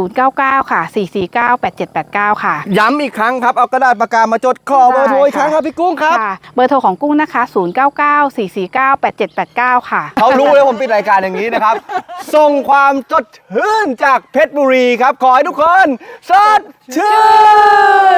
[SPEAKER 2] 099 ค่ะ 449 8789 ค่ะ
[SPEAKER 1] ย้ำอีกครั้งครับ เอากระดาษปากกามาจดขอเบอร์โทรอีกครั้งครับพี่กุ้งครับ
[SPEAKER 2] ค่ะ เบอร์โทรของกุ้งนะคะ 099 449 8789 ค่ะ
[SPEAKER 1] เขารู้เลยผมปิดรายการอย่างนี้นะครับ ส่งความสดชื่นจากเพชรบุรีครับ ขอให้ทุกคนสดชื่น